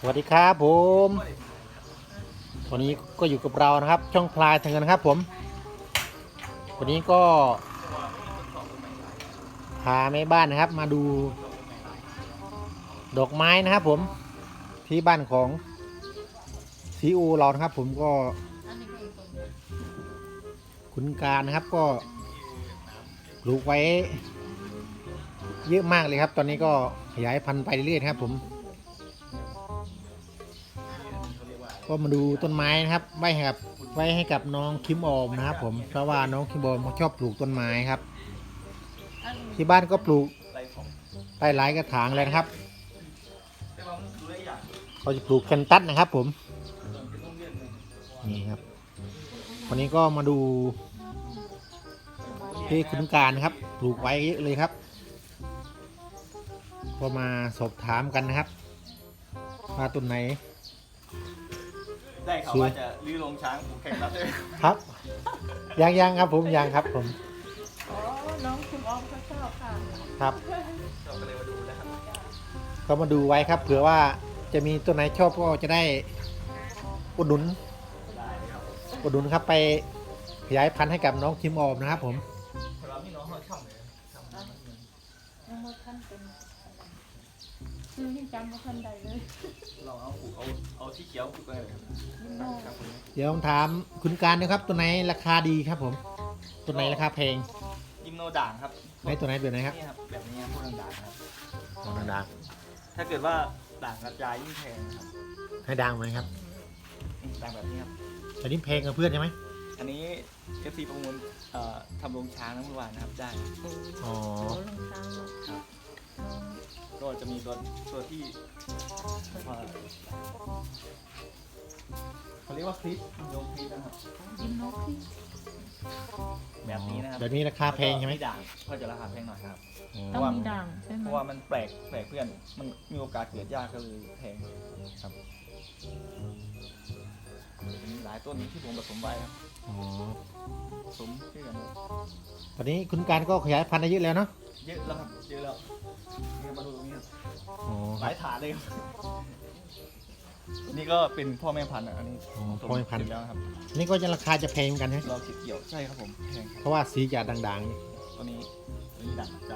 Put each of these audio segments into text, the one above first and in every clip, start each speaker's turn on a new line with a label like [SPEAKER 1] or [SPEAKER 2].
[SPEAKER 1] สวัสดีครับผมวันนี้ก็อยู่กับเรานะครับช่องพลายทางเงินนะครับผมวันนี้ก็พาแม่บ้านนะครับมาดูดอกไม้นะครับผมที่บ้านของซีอูเรานะครับผมก็คุณการนะครับก็ปลูกไว้เยอะมากเลยครับตอนนี้ก็ขยายพันธุ์ไปเรื่อยๆครับผมก็มาดูต้นไม้นะครับไว้ให้กับน้องคิมออมนะครับผมเพราะว่าน้องคิมออมเขาชอบปลูกต้นไม้ครับที่บ้านก็ปลูกได้หลายกระถางเลยนะครับเขาจะปลูกแคนตัสนะครับผมนี่ครับวันนี้ก็มาดูที่คุณการนะครับปลูกไว้เยอะเลยครับก็มาสอบถามกันนะครับว่าต้นไหน
[SPEAKER 2] ได้เขาว่าจะลื้อโรงช้างผูกแข่งรับด้วย
[SPEAKER 1] ครับยังครับผมยังครับผม
[SPEAKER 3] อ๋อน้องคุณออมเขาชอบค่ะ
[SPEAKER 1] ครับ
[SPEAKER 2] เราก็เลยมาดูนะครับ
[SPEAKER 1] ก็มาดูไว้ครับเผื่อว่าจะมีตัวไหนชอบก็จะได้อุดหนุนครับไปขยายพันธุ์ให้กับน้องคิมออมนะครับผม
[SPEAKER 2] เราพี่น้องเขาช่ำเลย
[SPEAKER 3] ยังไม่ทันเป็นชื่อที่จำไม่ทันใดเลย
[SPEAKER 2] เราเอาที่เขียวผูกกันเลยครับ
[SPEAKER 1] เดี๋ยวผมถามคุณการนะครับตัวไหนราคาดีครับผมตัวไหนราคาแพง
[SPEAKER 2] ยิมโนด่างครับ
[SPEAKER 1] ไหนตัวไหนแบบไหนครับ
[SPEAKER 2] นี่ครับแบบนี้พวกด่างครับ
[SPEAKER 1] ตัวด่าง
[SPEAKER 2] ถ้าเกิดว่าด่างกระจายยิ่งแพงครับ
[SPEAKER 1] ให้ด่างไหมครับ
[SPEAKER 2] ด่างแบบนี้ครับ
[SPEAKER 1] แต่นี่แพงกับเพื่อนใช่ไหม
[SPEAKER 2] อันนี้ FC ประมูลทำโรงช้างน้ำมันหวานนะครับได้
[SPEAKER 1] อ๋อ
[SPEAKER 2] ครับก็จะมีตัวที่เขาเรียกว่าคลิปโยงคลิปนะครับ
[SPEAKER 3] ยินนกที่
[SPEAKER 2] แบบนี้นะครับ
[SPEAKER 1] แบบนี้ราคาแพงใช่ไหม
[SPEAKER 2] ด่างก็จะราคาแพงหน่อยครับ
[SPEAKER 3] ต้องมีด่างใช่ไหม
[SPEAKER 2] เพราะว่ามันแปลกเพื่อนมันมีโอกาสเกิดยากก็เลยแพงครับมีหลายต้นที่ผมผสมไว้ครับผสมเพื่อน
[SPEAKER 1] ตอนนี้คุณการก็ขยายพันธุ์ได้เยอะแล้วเนาะ
[SPEAKER 2] เยอะแล้วครับเยอะแล้วนี่มาดูตรงนี้ครับห
[SPEAKER 1] ห
[SPEAKER 2] ลายฐานเลยครับนี่ก็เป็นพ่อแม่พันธุ์อันนี้
[SPEAKER 1] พ่อแม่พันธุ์
[SPEAKER 2] แล้วครับ
[SPEAKER 1] นี่ก็จะราคาจะแพงกันใช่ไหม
[SPEAKER 2] เราเกี่ยวใช่ครับผมแพง
[SPEAKER 1] เพราะว่าสีจะด่าง
[SPEAKER 2] ๆตัวนี้ด่างใจ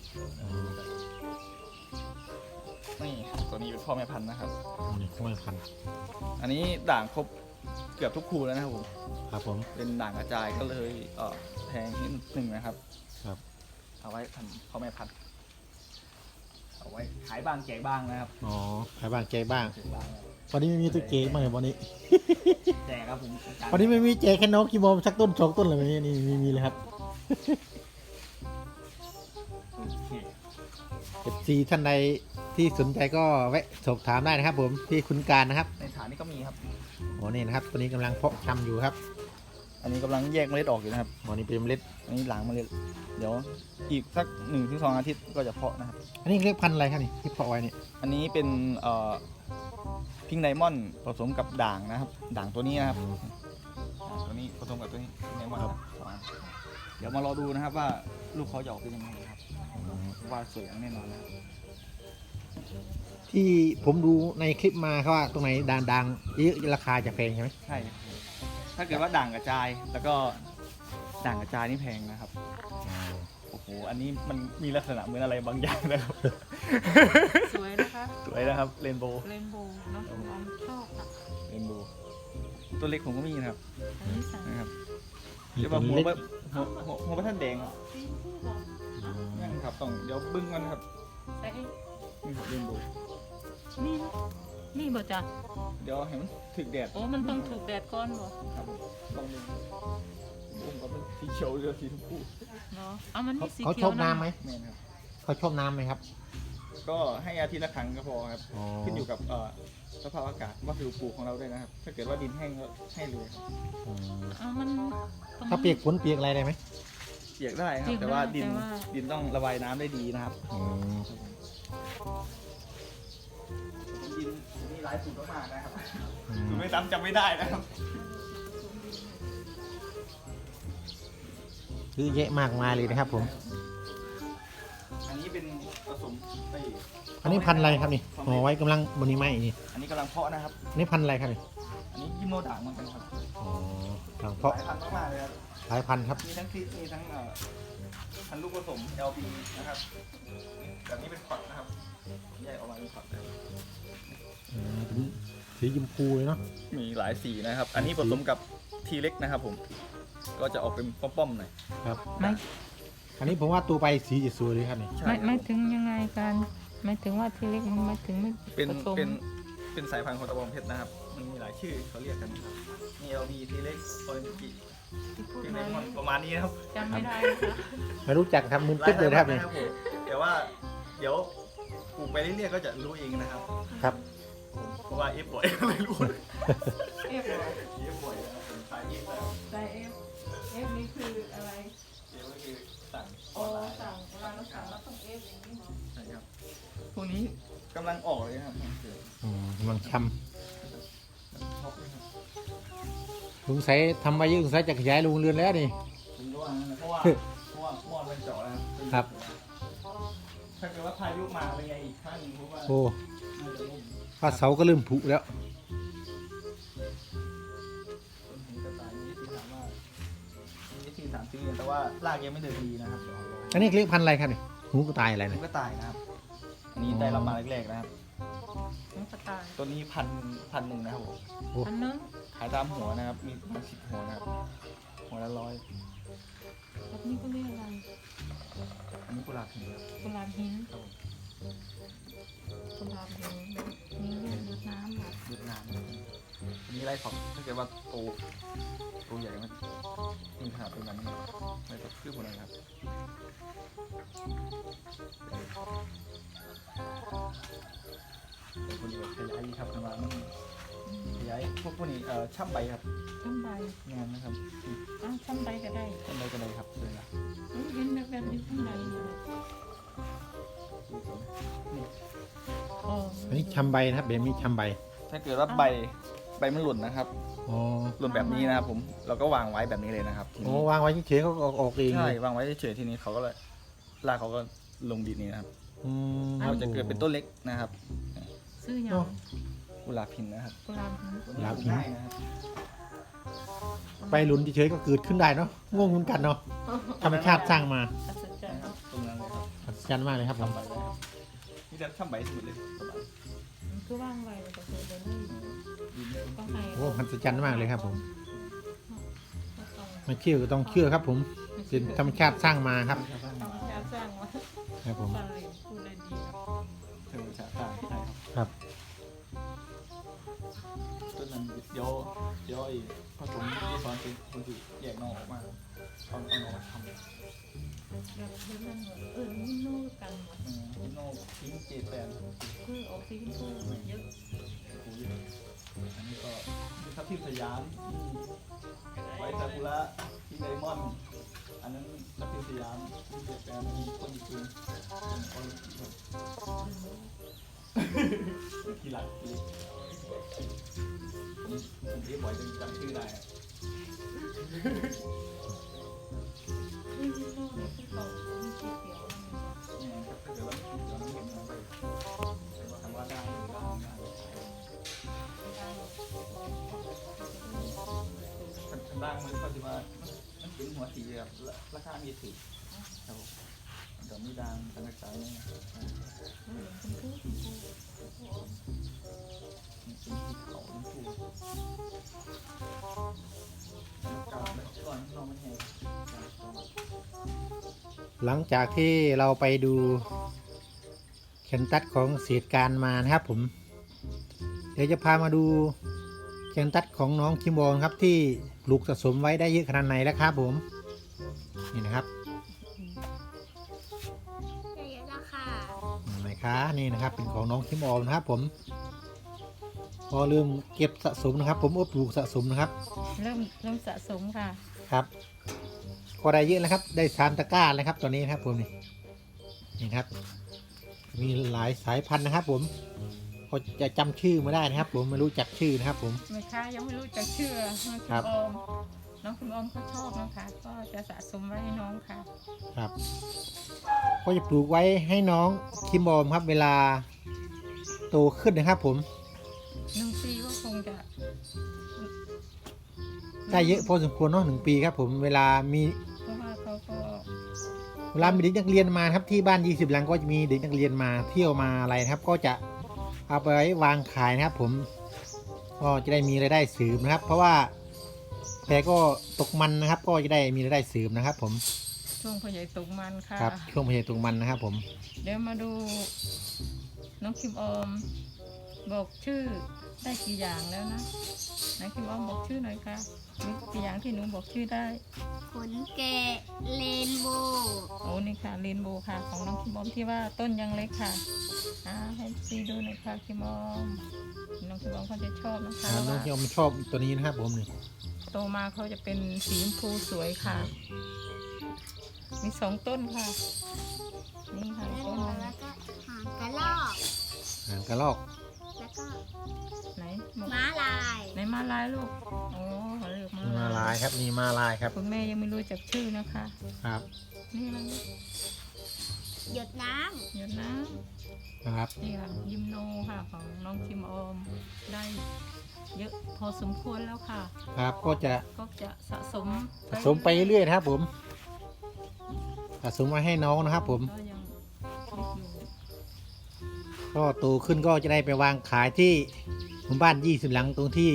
[SPEAKER 2] นี่ตัวนี้เป็นพ่อแม่พันธุ์นะครับ
[SPEAKER 1] นี่พ่อแม่พันธุ์
[SPEAKER 2] อันนี้ด่างครบเกือบทุกคู่แล้วนะครับผม
[SPEAKER 1] ครับผม
[SPEAKER 2] เป็นด่างกระจายก็เลยแพงนิดหนึ่งนะครับ
[SPEAKER 1] ครับ
[SPEAKER 2] เอาไว้พันพ่อแม่พันธุ์เอาไว้ขายบ้างแจกบ้างนะครับ
[SPEAKER 1] อ๋อขายบ้างแจกบ้างวันนี้ไม่มีตัวเจกบ้างเลยวันนี้
[SPEAKER 2] แจกครับผม
[SPEAKER 1] วันนี้ไม่มีแจกแค่น้องกิโมสักต้น2 ต้นเลยวันนี้นี่มีเลยครับFC ท่านใดที่สนใจก็แวะสอบถามได้นะครับผมที่คุณการนะครับ
[SPEAKER 2] ในฐานนี้ก็มีครับ
[SPEAKER 1] โอ้นี่นะครับตัวนี้กำลังเพาะชำอยู่ครับ
[SPEAKER 2] อันนี้กำลังแยกเมล็ดออกอยู่นะครับ
[SPEAKER 1] อันนี้เป็นเมล็ด
[SPEAKER 2] อันนี้หลังเมล็ดเดี๋ยวอีกสัก1-2 อาทิตย์ก็จะเพาะนะครับ
[SPEAKER 1] อันนี้เรียกพันธุ์อะไรครับนี่ที่เพาะไว้เนี่ย
[SPEAKER 2] อันนี้เป็นพิงไดมอนด์ผสมกับด่างนะครับด่างตัวนี้นะครับตัวนี้ผสมกับตัวนี้พิงไดมอนด์ครับเดี๋ยวมารอดูนะครับว่าลูกเขาจะออกเป็นยังไงครับว่าสวยแน่นอนนะครับ
[SPEAKER 1] ที่ผมดูในคลิปมาเขาว่าตรงไหนด่างเยอะราคาจะแพงใช่ไหม
[SPEAKER 2] ใช่ถ้าเกิดว่าด่างกระจายแล้วก็ด่างกระจายนี่แพงนะครับโอ้โหอันนี้มันมีลักษณะเหมือนอะไรบางอย่างนะครับ
[SPEAKER 3] สวยนะคะ
[SPEAKER 2] สวยนะครับเรนโบว์
[SPEAKER 3] น้องคุณออมชอบค่ะ
[SPEAKER 2] เรนโบว์ตัวเล็กผมก็มีนะครับนะครับ
[SPEAKER 1] เดี๋ยว
[SPEAKER 2] หัวท่านแดงนี่ครับต้องเดี๋ยวบึ้งมันครับนี่ครับเรนโบว์
[SPEAKER 3] นี่บ่จ้ะ
[SPEAKER 2] เดี๋ยวให้มันถึกแดด
[SPEAKER 3] โอ้มันต้องถูกแดดก่อนบ่
[SPEAKER 2] ครับลองดูก็เป็นสีเขียวหรือสีชมพู
[SPEAKER 3] เนาะเอามันนี่สีเขียว
[SPEAKER 1] เขาชอบน้ำไหม
[SPEAKER 2] แม่ครับ
[SPEAKER 1] เขาชอบน้ำไหมครับ
[SPEAKER 2] ก็ให้อาทิตย์ละครั้งก็พอครับขึ้นอยู่กับสภาพอากาศว่าผิวปลูกของเราด้วยนะครับถ้าเกิดว่าดินแห้งก็ให้เลยครับ
[SPEAKER 3] มัน
[SPEAKER 1] ถ้าเปียกฝนเปียกอะไรได้ไหม
[SPEAKER 2] เปียกได้ครับแต่ว่าดินต้องระบายน้ำได้ดีนะครับดินมีหลายสูตรมากนะครับสูตรไม่ซ้ำจำไม่ได้นะครับ
[SPEAKER 1] คือเยอะมากมายเลยนะครับผม
[SPEAKER 2] อันนี้เป็นผสมไป
[SPEAKER 1] อันนี้พันธุ์อะไรครับนี่ห่อไว้กำลังบนนี้ไหมนี่
[SPEAKER 2] อันนี้กำลังเพาะนะครับ
[SPEAKER 1] อันนี้พันธุ์อะไรครับนี่
[SPEAKER 2] อันนี้ยิโมด่างเหมือนกันครับ
[SPEAKER 1] อ๋อกำลัง
[SPEAKER 2] ห
[SPEAKER 1] เพาะ
[SPEAKER 2] ลายพันธุ์มากๆเลยครับ
[SPEAKER 1] หลายพันธุ์ครับ
[SPEAKER 2] มีทั้งคลิปมีทั้งพันธุ์ลูกผสม LB นะครับแบบนี้เป็นพอร์ตนะครับแยกออกมาเป็นพอร์ตเลย
[SPEAKER 1] เป็นสีชมพูเลยเนาะ
[SPEAKER 2] มีหลายสีนะครับ อันนี้ผสมกับทีเล็กนะครับผม ก็จะออกเป็นป้อมๆหน่อย
[SPEAKER 1] ครับ
[SPEAKER 3] ไม่
[SPEAKER 1] อันนี้ผมว่าตัวไปสีจะสวยเลยครับนี่
[SPEAKER 2] ใช่
[SPEAKER 3] ไม่ถึงยังไงกันไม่ถึงว่าทีเล็กมันไม่ถึงไม่
[SPEAKER 2] เป็น
[SPEAKER 3] ผสม
[SPEAKER 2] เป็นสายพันธุ์ของตะบองเพชรนะครับ มันมีหลายชื่อเขาเรียกกันนะครับมี LB ทีเล็กออเรนจิ
[SPEAKER 3] ที่พูด
[SPEAKER 2] พิงไน
[SPEAKER 3] มาม
[SPEAKER 2] อนประมาณนี้นะครับ
[SPEAKER 3] จำไม่ได้นะคะ
[SPEAKER 1] ไม่รู้จักครับมึนตึ๊บเลยนะครับนี่
[SPEAKER 2] ผมแต่ว่าเดี๋ยวปลูกไปเรื่อยๆก็จะรู้เองนะครับ
[SPEAKER 1] ครับ
[SPEAKER 2] เพราะว่าเอฟบ่อยก็เลยรู้
[SPEAKER 3] เอฟเหรอ
[SPEAKER 2] เอฟบ่อยนะครับผมสายเอฟแล้ว
[SPEAKER 3] ใส่เอฟเอฟนี่คืออะไร
[SPEAKER 2] เอฟก็คือสั่ง
[SPEAKER 3] โอสั่งเวลาเราสั่งเราต้องเอฟอย่างนี้เหรอ
[SPEAKER 2] ใช่ครับพวกนี้กำลังออกเลยนะครับ
[SPEAKER 1] กำลังช้
[SPEAKER 2] ท็อปเลยครับ
[SPEAKER 1] ำลุงใส่ทำไว้เยอะลุงใส่จะขยายโรงเรือนแล้วนี่
[SPEAKER 2] ผมก็ว่างั้นนะเพราะว่าหม้อมันเจาะแล้ว
[SPEAKER 1] ครับ
[SPEAKER 2] ถ้าเกิดว่าพายุมาเป็นไงอีกครั้งหนึงเพราะว่า
[SPEAKER 1] โอ้
[SPEAKER 2] น่าจะล่ม
[SPEAKER 1] ฟ้าเสาก็เริ่มผุแล้ว
[SPEAKER 2] ต้นหินกระต่ายมีที่ถามว่ามีที่3 4เดือนแต่ว่ารากยังไม่เดินดีนะครับเดี๋ยวเรา
[SPEAKER 1] อันนี้เรียกพันธุ์อะไรครับนี่หูกระต่ายอะไร
[SPEAKER 2] ผม
[SPEAKER 1] เนี่ย
[SPEAKER 2] ก็ตายนะครับ อันนี้ได้รับมาแรกๆนะครับ
[SPEAKER 3] น้องกระต่าย
[SPEAKER 2] ตัวนี้พันหนึ่งนะครับผม
[SPEAKER 3] อันนึง
[SPEAKER 2] ขายตามหัวนะครับ มีประมาณ10 หัวนะครับ หัวละ100
[SPEAKER 3] แบบนี้ก็เรียกอะไร
[SPEAKER 2] อันนี้กุหลาบหินครับ
[SPEAKER 3] กุหลาบหิน
[SPEAKER 2] ครับผม
[SPEAKER 3] กุหลาบหินนี่เรียกรดน้ำเหรอ
[SPEAKER 2] เวียดนามนะครับอันนี้ไรท็อปถ้าเกิดว่าโตใหญ่มันมีขนาดเป็นแบบนี้ไรท็อปคือคนไหนครับเป็นคนที่แบบขยายดีครับประมาณนี้ขยายพวกนี้ช่ำใบครับ
[SPEAKER 3] ช่ำใบ
[SPEAKER 2] งานนะครับ
[SPEAKER 3] อ้าวช่ำใบก็ได้
[SPEAKER 2] ช่ำใบกันเลยครับเลยนะ
[SPEAKER 3] เห็นแบบนี้ข้างในเนี่ย
[SPEAKER 2] นี่
[SPEAKER 3] อ๋อ
[SPEAKER 1] อันนี้ชำใบนะครับแบบนี้ชำใบ
[SPEAKER 2] ถ้าเกิดว่าใบมันหล่นนะครับ
[SPEAKER 1] อ๋อ
[SPEAKER 2] หล่นแบบนี้นะครับผมเราก็วางไว้แบบนี้เลยนะครับที
[SPEAKER 1] โอ้
[SPEAKER 2] นี้
[SPEAKER 1] วางไว้เฉยๆเขาก็ออกเอง
[SPEAKER 2] ใช่
[SPEAKER 1] เลยว
[SPEAKER 2] างไว้เฉยๆทีนี้เขาก็เลยรากเขาก็ลงดินนี้นะครับ
[SPEAKER 1] อืม
[SPEAKER 2] เราจะเกิดเป็นต้นเล็กนะครับ
[SPEAKER 3] ซื้อหยั
[SPEAKER 1] โอ้
[SPEAKER 3] ง
[SPEAKER 2] กุหลาบหินนะครับ
[SPEAKER 3] กุหลาบหิน
[SPEAKER 1] กุหลาบหิน
[SPEAKER 2] ง่ายนะครับ
[SPEAKER 1] ไปหลุนเฉยๆก็เกิดขึ้นได้เนาะงงเหมือนกันเนาะธรรมชาติสร้างมา
[SPEAKER 3] อัศจรรย์
[SPEAKER 2] นะครับตรงนั้นเลยครับ
[SPEAKER 1] อัศจรรย์มากเลยครับผม
[SPEAKER 2] ทำใบเลยครับนี่จะทำใบสมุดเลยประมาณ
[SPEAKER 3] มันคือว่างไว้แต่คือเดี๋ยวนี้
[SPEAKER 2] ดินเนี่ย
[SPEAKER 3] ต้องให้
[SPEAKER 1] โอ้อัศจรรย์มากเลยครับผม
[SPEAKER 3] ก็ต้อง
[SPEAKER 1] ไม่เชื่อก็ต้องเชื่อครับผมเป็นธรรมชาติสร้างมาครับ
[SPEAKER 3] ธรรมชาติสร้างมา
[SPEAKER 1] ครับผม
[SPEAKER 3] ฟังเลยพูดเลยดีครับ
[SPEAKER 2] ธรรมชาติต่างใช่ครับ
[SPEAKER 1] ครับ
[SPEAKER 2] ต้นนั้นเดี๋ยวไอ้ผสมที่สอนเป็นคนที่แยกนอกออกมาเอานอกมาทำ
[SPEAKER 3] แบบนั้นเหรอนี่นู่กันหมด
[SPEAKER 2] ฮิโน่ทิ้งเจแปน
[SPEAKER 3] คือออกสีชมพูเยอะ
[SPEAKER 2] โอ้ยอันนี้ก็มีทับทิมสยามไวซากุระที่ไดมอนด์อันนั้นทับทิมสยามที่เจแปนมีคนญี่ปุ่นคน ที่หลักที่ผมเรียกบ่อยจนจำชื่อได้อะ
[SPEAKER 3] นี่นู่เนี่ยคือเขามีสีเขียว
[SPEAKER 2] เนี่ยครับถ้าเกิดว่าเราไม่เห็นมันเลยแต่ว่าคำว่าได้คันด่างมันก็จะว่ามันเป็นหัวสีแบบราคามีถูกครับผมมันก็มีด่างต่างๆเนี่ย
[SPEAKER 3] ชมพู
[SPEAKER 2] มันเป็นสีขาวมันถูกกาบแล้วก่อนที่เรามันแห้ง
[SPEAKER 1] หลังจากที่เราไปดูแคนตัสของเศษการมานะครับผมเดี๋ยวจะพามาดูแคนตัสของน้องคิมบอลครับที่ปลูกสะสมไว้ได้เยอะขนาดไหนแล้วครับผมนี่นะครับ
[SPEAKER 4] เยอะแล้วค่ะ
[SPEAKER 1] ไหนคะนี่นะครับเป็นของน้องคิมบอลนะครับผมพอเริ่มเก็บสะสมนะครับ ผมปลูกสะสมนะครับ
[SPEAKER 3] เริ่มสะสมค่ะ
[SPEAKER 1] ครับก็ได้เยอะแล้วครับได้3 ตะกร้าแล้วครับตอนนี้นะครับผมนี่ครับ มีหลายสายพันธุ์นะครับผมก็จะจำชื่อไม่ได้นะครับ ผมไม่รู้จักชื่อนะครับผม
[SPEAKER 3] แม่ค้ายังไม่รู้จักชื่อน้อง
[SPEAKER 1] ครั
[SPEAKER 3] คุณ
[SPEAKER 1] บ
[SPEAKER 3] ออมน้องคุณออมเขาชอบนะคะก็จะสะสมไว้ให้น้องค่ะ
[SPEAKER 1] ครับก็จะปลูกไว้ให้น้องคิมบอมครับ เวลาโตขึ้นนะครับผม
[SPEAKER 3] 1 ปีก็คงจะ
[SPEAKER 1] ได้เยอะพอสมควรเนาะ1 ปีครับผมเวลามี
[SPEAKER 3] เพราะว่าเขาก็
[SPEAKER 1] เด็กนักเรียนมาครับที่บ้าน20 หลังก็จะมีเด็กนักเรียนมาเที่ยวมาอะไรนะครับ ก็จะเอาไปไว้วางขายนะครับผมก็จะได้มีรายได้เสริมนะครับ เพราะว่าแพก็ตกมันนะครับ ก็จะได้มีรายได้เสริมนะครับ ผม
[SPEAKER 3] ช่วงพ่อใหญ่ตกมันค่ะ
[SPEAKER 1] ครับช่วงพยายตกมันนะครับผม
[SPEAKER 3] เดี๋ยวมาดูน้องคิมออมบอกชื่อได้กี่อย่างแล้วนะไหนคิมออมบอกชื่อหน่อยค่ะมีกี่อย่างที่หนูบอกชื่อได้
[SPEAKER 4] ขนแกะเรนโบว์
[SPEAKER 3] โอ้นี่ค่ะเรนโบว์ค่ะ ของน้องคิมออมที่ว่าต้นยังเล็กค่ะให้ซีดูหน่อยค่ะคิมออมน้องคิมออมเขาจะชอบนะคะ
[SPEAKER 1] น้องที่
[SPEAKER 3] ว่า
[SPEAKER 1] ผมชอบตัวนี้นะครับผมนี่
[SPEAKER 3] โตมาเขาจะเป็นสีชมพูสวยค่ะ มี2 ต้นค่ะ นี่ค่ะ
[SPEAKER 4] เรน
[SPEAKER 3] ต้น
[SPEAKER 4] โบ
[SPEAKER 3] ห
[SPEAKER 4] ว์
[SPEAKER 3] นึ่ง
[SPEAKER 4] แล้วก็หางกระรอก
[SPEAKER 1] หางกระรอก
[SPEAKER 4] แล้วก็
[SPEAKER 3] ไหนบอก
[SPEAKER 4] ม้าลาย
[SPEAKER 3] ไหนมาลายลูกโอ้เขาเรียก
[SPEAKER 1] มา
[SPEAKER 3] มา
[SPEAKER 1] ลายครับนี่มาลายครับ
[SPEAKER 3] คุณแม่ยังไม่รู้จักชื่อนะคะ
[SPEAKER 1] ครับ
[SPEAKER 3] นี่อะไรลูก
[SPEAKER 4] หยดน้
[SPEAKER 3] หยดน้
[SPEAKER 1] ครับ
[SPEAKER 3] ำนี่ค่ะยิมโนค่ะของน้องคิมออมได้เยอะพอสมควรแล้วค่ะ
[SPEAKER 1] ครับก็จะ
[SPEAKER 3] ก็จะสะสม
[SPEAKER 1] ไปเรื่อยๆนะครับผมสะสมมาให้น้องนะครับผม
[SPEAKER 3] ก็ยังเล็กอยู่
[SPEAKER 1] ก็โตขึ้นก็จะได้ไปวางขายที่หมู่บ้าน20 หลังตรงที่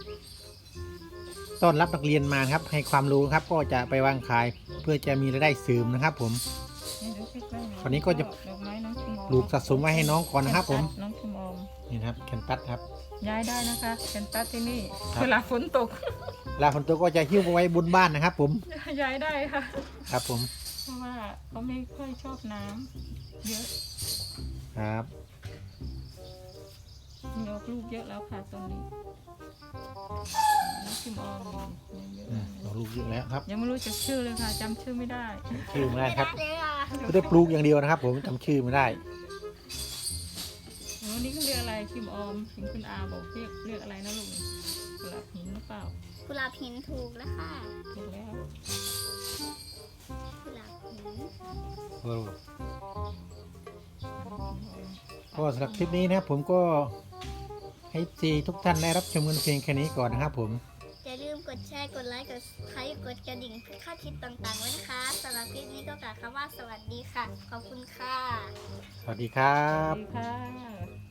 [SPEAKER 1] ต้อนรับนักเรียนมานะครับ ให้ความรู้ครับ ก็จะไปวางขายเพื่อจะมีรายได้เสริมนะครับ ผม
[SPEAKER 3] ให้ดูใกล้ๆหอย
[SPEAKER 1] คราวนี้ก็จะ
[SPEAKER 3] ดอกไม้น้องคิมออม
[SPEAKER 1] ปลูกสะสมไว้ให้น้องก่อนนะครับ ผม
[SPEAKER 3] น้องคิมออม
[SPEAKER 1] นี่นะครับแคนตัสครับ
[SPEAKER 3] ย้ายได้นะคะเป็นตัดที่นี่
[SPEAKER 1] ครับ
[SPEAKER 3] เวลาฝนตก
[SPEAKER 1] เวลาฝนตกก็จะหิ้วไปไว้บนบ้านนะครับ ผม
[SPEAKER 3] ย้ายได้ค่ะ
[SPEAKER 1] ครับผม
[SPEAKER 3] เพราะว่าเขาไม่ค่อยชอบน้ำเยอะ
[SPEAKER 1] ครับ
[SPEAKER 3] มีออกลูกเยอะแล้วค่ะตอนนี้น้องคิมออมยังเยอะ
[SPEAKER 1] ออกลูกเยอะแล้วครับ
[SPEAKER 3] ยังไม่รู้จักชื่อเลยค่ะจำชื่อไม่ได้
[SPEAKER 1] ชื่อไม่
[SPEAKER 4] ำ
[SPEAKER 1] ได้ครับ
[SPEAKER 4] เลยอ่ะ
[SPEAKER 1] ไม่ได้ปลูกอย่างเดียวนะครับ ผมจำชื่อไม่ได้
[SPEAKER 3] วันนี้เขาเรียกอะไรคิมออมเห็นคุณอาบอกเรียกอะไรนะลูกกระหินหรือเปล่า
[SPEAKER 4] กุหลาบหินถูกแล้วค่ะ
[SPEAKER 3] ถูกแล้ว
[SPEAKER 4] กุหลาบหิน
[SPEAKER 1] ก็สำหรับคลิปนี้นะครับผมก็ให้ซีทุกท่านได้รับชมกันเพียงแค่นี้ก่อนนะครับ ผม
[SPEAKER 4] อย่าลืมกดแชร์ กดไลค์ กดไลค์กดกระดิ่งเพื่อค่าคลิปต่างๆไว้นะคะสำหรับคลิปนี้ก็กล่าวคำว่าสวัสดีค่ะ ขอบคุณค่ะ
[SPEAKER 1] สวัสดีครั
[SPEAKER 3] สวั
[SPEAKER 1] บ
[SPEAKER 3] สดีค่ะ